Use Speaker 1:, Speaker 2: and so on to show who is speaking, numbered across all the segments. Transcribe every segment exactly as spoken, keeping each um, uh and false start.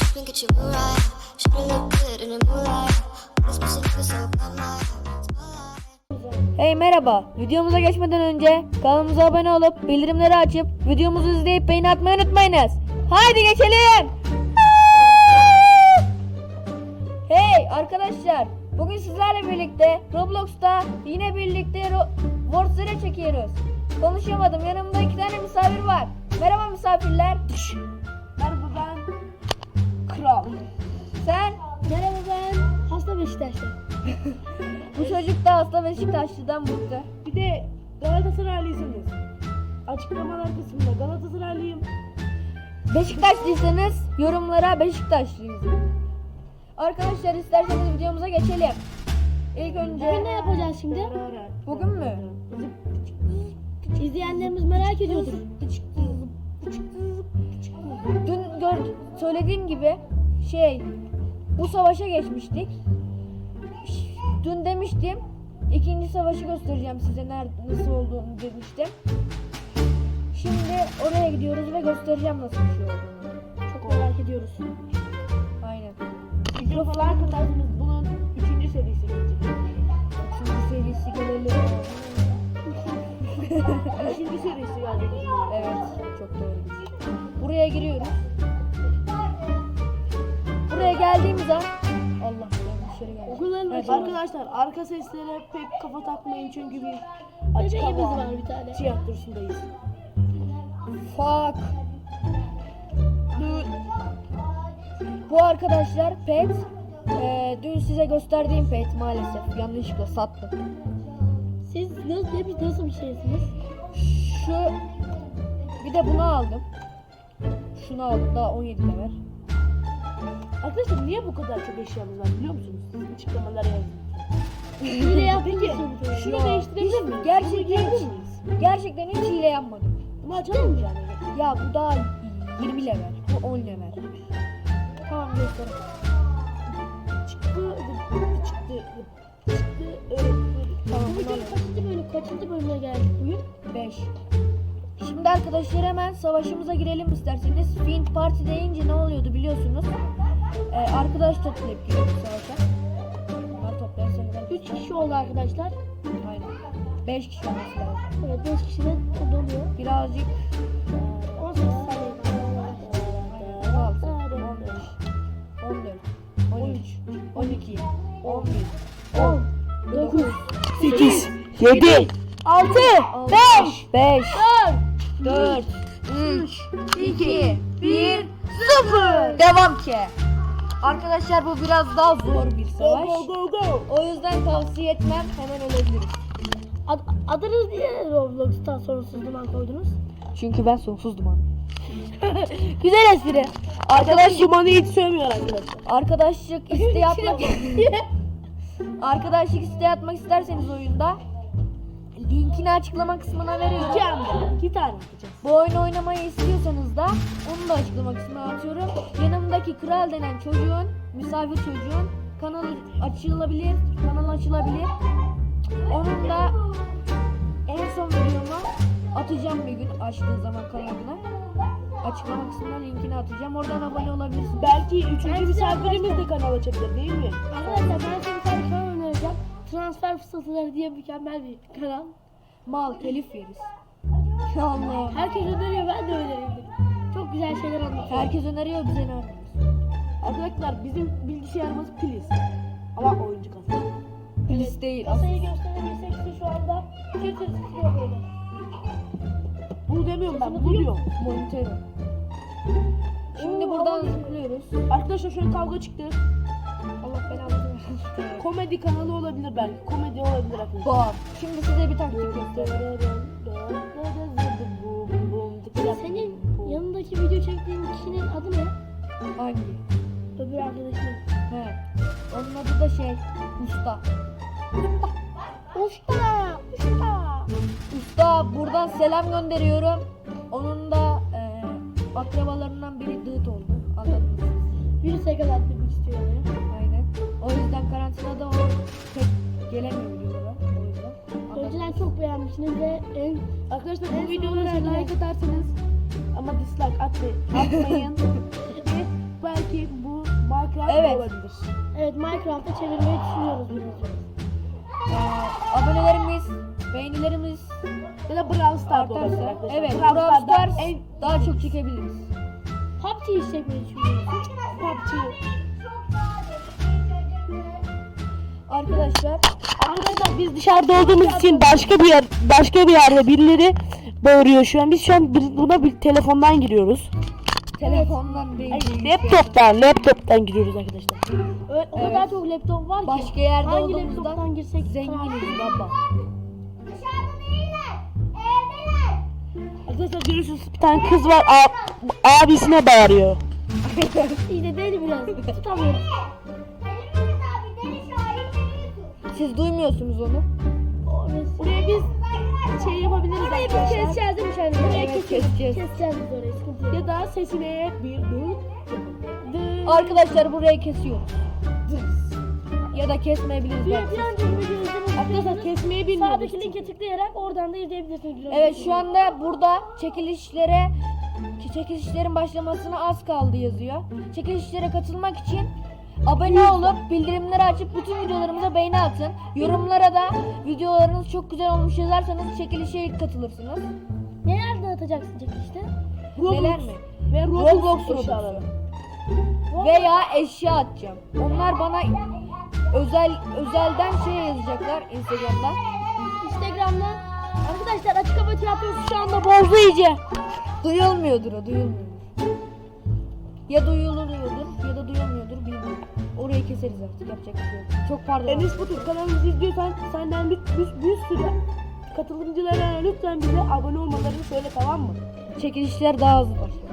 Speaker 1: tripping, get you right. Shoulda look good in the moonlight. This pussy nigga so bad, my
Speaker 2: Hey merhaba, videomuza geçmeden önce kanalımıza abone olup bildirimleri açıp videomuzu izleyip beğeni atmayı unutmayınız. Haydi geçelim. Hey arkadaşlar, bugün sizlerle birlikte Roblox'ta yine birlikte Ro- Warzone çekiyoruz. Konuşamadım, yanımda iki tane misafir var. Merhaba misafirler.
Speaker 3: Merhaba, ben Kral.
Speaker 2: Sen?
Speaker 3: Merhaba, ben hasta Beşiktaşlı.
Speaker 2: Bu çocuk da hasta Beşiktaşlı'dan bıktı.
Speaker 3: Bir de Galatasaraylısınız. Açıklamalar kısmında Galatasaraylıyım.
Speaker 2: Beşiktaşlıysanız yorumlara Beşiktaşlıyız. Arkadaşlar isterseniz videomuza geçelim. İlk önce
Speaker 3: Bugün ne yapacağız şimdi?
Speaker 2: Bugün mü?
Speaker 3: İzleyenlerimiz merak ediyordur.
Speaker 2: Dün gör, söylediğim gibi şey bu savaşa geçmiştik. Dün demiştim ikinci savaşı göstereceğim size nerede nasıl olduğunu demiştim. Şimdi oraya gidiyoruz ve göstereceğim nasıl bir şey olduğunu.
Speaker 3: Çok merak ediyoruz.
Speaker 2: Aynen.
Speaker 3: Mikrofon arkadaşımız bunun üçüncü serisi gelecek.
Speaker 2: Üçüncü serisi gelelim.
Speaker 3: Üçüncü serisi gelecek.
Speaker 2: Evet, çok doğru. Buraya giriyoruz. Buraya geldiğimiz an Allah ben dışarı geldim.
Speaker 3: Okulların
Speaker 2: Evet,
Speaker 3: arkadaşlar arka seslere pek kafa takmayın çünkü bir açık hava var bir tane. Tiyatrosundayız.
Speaker 2: Fuck. Bu arkadaşlar pet. Ee, dün size gösterdiğim pet maalesef yanlışlıkla sattım.
Speaker 3: Siz nasıl, hep nasıl bir şeysiniz?
Speaker 2: Şu bir de bunu aldım. Şunu aldım daha on yedi level.
Speaker 3: Arkadaşlar niye bu kadar çok eşyamız var biliyor musunuz? Siz açıklamalara yazın. Hile yapmayacağım. Şunu
Speaker 2: Ya,
Speaker 3: değiştirebilir
Speaker 2: hiç-
Speaker 3: miyiz?
Speaker 2: Gerçekten
Speaker 3: Bunu
Speaker 2: hiç,
Speaker 3: giyebilir miyiz?
Speaker 2: gerçekten hiç hile yapmadım.
Speaker 3: Bunu açalım mı yani?
Speaker 2: Ya bu daha yirmi level. Bu on level. Tamam göster.
Speaker 3: Çıktı, çıktı, çıktı.
Speaker 2: Tamam,
Speaker 3: Bu video
Speaker 2: bunu
Speaker 3: kaçıncı bölüm, kaçıncı bölüme geldik bugün?
Speaker 2: beş. Şimdi arkadaşlar hemen savaşımıza girelim isterseniz. Fiend Party deyince ne oluyordu biliyorsunuz. Ee, arkadaş toplayıp giriyoruz savaşa. Bunlar toplarsanız
Speaker 3: Üç kişi oldu arkadaşlar.
Speaker 2: aynen. beş kişi olması lazım.
Speaker 3: Evet, beş kişiden o doluyor.
Speaker 2: Birazcık
Speaker 3: on sekiz saniye.
Speaker 2: on altı, on beş, on dört, on üç, on iki, on bir, on, dokuz,
Speaker 3: sekiz,
Speaker 2: yedi,
Speaker 3: altı,
Speaker 2: beş, beş, dört, üç, iki, bir, sıfır. Devam ki. Arkadaşlar bu biraz daha zor bir savaş.
Speaker 3: Go go go.
Speaker 2: O yüzden tavsiye etmem, hemen ölebiliriz.
Speaker 3: Ad, adınız niye Roblox'tan sonsuz duman koydunuz?
Speaker 2: Çünkü ben sonsuz duman.
Speaker 3: Güzel espri.
Speaker 2: Arkadaş
Speaker 3: Dumanı hiç sevmiyor arkadaşlar.
Speaker 2: arkadaşlık isteği atmak Arkadaşlık isteği atmak isterseniz oyunda linkini açıklama kısmına veriyorum.
Speaker 3: İki anda. İki tane yapacağız.
Speaker 2: Bu oyunu oynamayı istiyorsanız da onu da açıklama kısmına atıyorum. Yanımdaki Kral denen çocuğun, misafir çocuğun kanalı açılabilir, kanal açılabilir. Onun da en son videomu atacağım bir gün açtığı zaman kanalına. Açıklama kısmına linkini atacağım. Oradan abone olabilirsiniz.
Speaker 3: Belki üçüncü
Speaker 2: Ben size
Speaker 3: misafirimiz de kanal açabilir değil mi?
Speaker 4: Arkadaşlar ben size bir tane kanal önereceğim. Transfer fırsatları diye mükemmel bir kanal.
Speaker 2: Mal telif yeriz. Allah.
Speaker 4: Herkes öneriyor, ben de önereyim. Çok güzel şeyler anlatıyor.
Speaker 2: Herkes öneriyor, bize ne öneriyoruz?
Speaker 3: Arkadaşlar bizim bilgisayarımız piliz. Ama oyuncu kasa.
Speaker 2: Polis değil.
Speaker 4: Kasayı gösterebilirsek size şu anda bir tır tutuyor böyle.
Speaker 3: Bunu demiyorum ben, bunu diyorum.
Speaker 2: Monitörü. Şimdi buradan zıplıyoruz.
Speaker 3: Arkadaşlar şöyle kavga çıktı.
Speaker 2: Allah belanı versin.
Speaker 3: Komedi kanalı olabilir belki. Komedi olabilir arkadaşlar.
Speaker 2: Bak. Şimdi size bir taktik göstereyim.
Speaker 4: Senin yanındaki video çektiğin kişinin adı ne?
Speaker 2: Hangi?
Speaker 4: Öbür arkadaşının.
Speaker 2: He. Onun adı da şey. Usta.
Speaker 4: Usta! Usta!
Speaker 2: Usta buradan selam gönderiyorum. Onun da e, akrabalarından biri dıt oldu. Anladınız mı?
Speaker 4: Virüse yakalatmak istiyor yani.
Speaker 2: Aynen. O yüzden karantinada o pek gelemiyor videolara. O yüzden. Anladınız.
Speaker 4: Önceden çok beğenmişsiniz ve en
Speaker 3: Arkadaşlar
Speaker 4: En
Speaker 3: bu videolara
Speaker 4: sonunda
Speaker 3: like atarsanız ama dislike atmayın. Atmayın. Ve belki olabilir.
Speaker 4: Evet, Minecraft'a çevirmeyi düşünüyoruz biraz.
Speaker 2: Ee, abonelerimiz, beğenilerimiz
Speaker 3: Ya da Brawl Stars'da olabilir
Speaker 2: artarsa,
Speaker 3: arkadaşlar.
Speaker 2: evet,
Speaker 3: Brawl
Speaker 2: Brawl
Speaker 3: Stars'da
Speaker 2: Stars
Speaker 3: en
Speaker 2: daha çok çekebiliriz.
Speaker 4: P U B G çekmeyi düşünüyoruz.
Speaker 3: P U B G.
Speaker 2: Arkadaşlar,
Speaker 3: Arkadaşlar biz dışarıda olduğumuz için başka bir yer, başka bir yerde birileri bağırıyor şu an. Biz şu an bir- buna bir telefondan giriyoruz.
Speaker 2: telefondan değil.
Speaker 3: Ay, laptoptan, laptoptan giriyoruz arkadaşlar.
Speaker 4: Ö- O
Speaker 2: Evet.
Speaker 4: kadar çok laptop var ki.
Speaker 2: Başka yerde
Speaker 4: hangi
Speaker 2: olduğumuzdan
Speaker 4: laptoptan girsek
Speaker 2: zenginiz baba.
Speaker 3: Arkadaşlar görüyorsunuz bir tane kız var a- abisine bağırıyor.
Speaker 4: İyi de beni biraz tutamıyorum.
Speaker 2: Siz duymuyorsunuz onu.
Speaker 4: Orası.
Speaker 3: Buraya biz şey yapabiliriz
Speaker 4: Burayı bir
Speaker 3: arkadaşlar.
Speaker 4: keseceğiz değil mi Şahin? Burayı
Speaker 2: Evet,
Speaker 4: keseceğiz.
Speaker 2: keseceğiz.
Speaker 4: Keseceğiz biz orayı, sıkıntı yok.
Speaker 3: Ya da sesine bir dur.
Speaker 2: Arkadaşlar burayı kesiyoruz. Ya da kesmeyebiliriz
Speaker 4: Bir,
Speaker 2: belki.
Speaker 4: bir önceki videoyu izlemek
Speaker 3: Arkadaşlar
Speaker 4: istiyorsanız
Speaker 3: kesmeyi bilmiyoruz.
Speaker 4: sağdaki linke tıklayarak oradan da izleyebilirsiniz.
Speaker 2: Evet, şu anda burada çekilişlere çekilişlerin başlamasına az kaldı yazıyor. Çekilişlere katılmak için abone olup bildirimleri açıp bütün videolarımıza beğeni atın. Yorumlara da videolarınız çok güzel olmuş yazarsanız çekilişe ilk katılırsınız.
Speaker 4: Neler dağıtacaksın çekilişte?
Speaker 2: Neler mi?
Speaker 3: Ve
Speaker 2: Roblox
Speaker 3: Roblox
Speaker 2: Roblox'u.
Speaker 3: eşyaları.
Speaker 2: Veya eşya atacağım. Onlar bana özel özelden şey yazacaklar Instagram'dan.
Speaker 4: Instagram'dan. Arkadaşlar açık hava tiyatrosu şu anda bozdu iyice.
Speaker 2: Duyulmuyordur o, duyulmuyordur. Ya duyuluyordur ya da duyulmuyordur bilmiyorum. Orayı keseriz artık, yapacak bir şey yok. Çok pardon.
Speaker 3: Enes Batur kanalımızı izliyorsan senden bir, bir, bir sürü katılımcılara lütfen bize abone olmalarını söyle, tamam mı?
Speaker 2: Çekilişler daha hızlı başlıyor.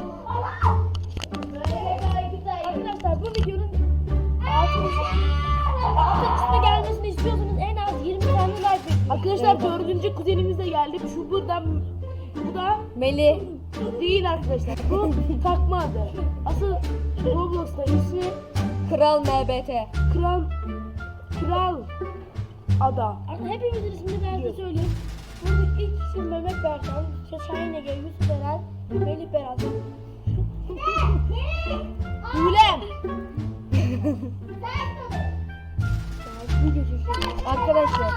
Speaker 4: Arkadaşlar bu videonun altı kısmı gelmesini istiyorsanız en az yirmi tane like bekliyorum.
Speaker 3: Arkadaşlar dördüncü kuzenimiz de geldi. Şu buradan, bu da
Speaker 2: Melih,
Speaker 3: değil arkadaşlar. Bu takma adı. Asıl Roblox'ta ismi
Speaker 2: Kral M B T.
Speaker 3: Kral Kral Ada.
Speaker 4: Arkadaşlar hepimizin ismini ben size söyleyeyim. Buradaki ilk isim Mehmet Berkan, Şahin Ege, Yusuf Eren, Melih Berat.
Speaker 3: Gülem.
Speaker 4: Video çekiyorum.
Speaker 2: Arkadaşlar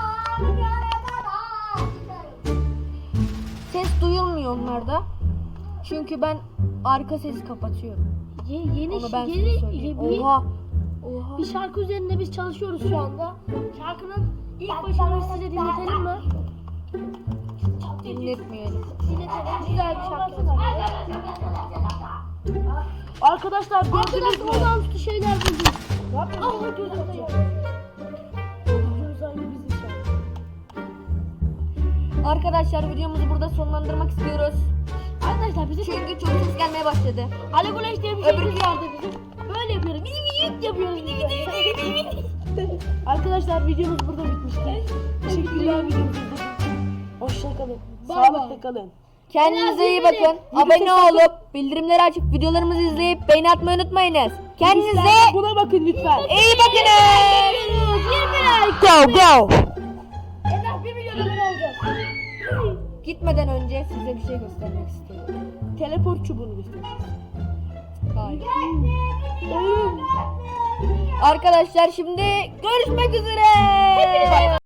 Speaker 2: ses duyulmuyor onlarda. Çünkü ben arka sesi kapatıyorum.
Speaker 4: Ye, yeni
Speaker 2: Onu ben
Speaker 4: yeni
Speaker 2: size söyleyeyim.
Speaker 4: bir,
Speaker 2: Oha. Oha.
Speaker 4: bir şarkı üzerinde biz çalışıyoruz şu anda. Şarkının ilk başını size dinletelim mi?
Speaker 2: Dinletmeyelim.
Speaker 4: Dinletelim. Güzel bir şarkı.
Speaker 3: Arkadaşlar gördünüz
Speaker 4: Arkadaşlar
Speaker 3: mü?
Speaker 4: olağanüstü şeyler buldum.
Speaker 3: Ne yapıyorsunuz?
Speaker 4: Ah gözümde yok.
Speaker 2: Arkadaşlar videomuzu burada sonlandırmak istiyoruz.
Speaker 4: Arkadaşlar bizi
Speaker 2: Çünkü çok ses gelmeye başladı.
Speaker 4: Ali Güneş diye bir şey
Speaker 2: Öbür-
Speaker 4: vardı bizim. Böyle yapıyoruz. Bidi bidi yapıyoruz. Bidi bidi.
Speaker 3: Arkadaşlar videomuz burada bitmiştir. Teşekkürler videomuzu izlediğiniz için. Hoşça kalın.
Speaker 4: Bay
Speaker 3: Sağlıkla
Speaker 4: bay.
Speaker 3: kalın.
Speaker 2: Kendinize iyi
Speaker 4: Biraz
Speaker 2: bakın. Abone olup bildirimleri açıp videolarımızı izleyip beğeni atmayı unutmayınız. Kendinize
Speaker 3: Lütfen buna bakın lütfen.
Speaker 2: iyi bakın.
Speaker 4: yirmi like.
Speaker 3: Go go.
Speaker 4: En az bir milyon abone olacağız.
Speaker 2: Gitmeden önce size bir şey göstermek istiyorum.
Speaker 3: Teleport çubuğunu göstereceğiz.
Speaker 2: Hayır. Arkadaşlar şimdi görüşmek üzere.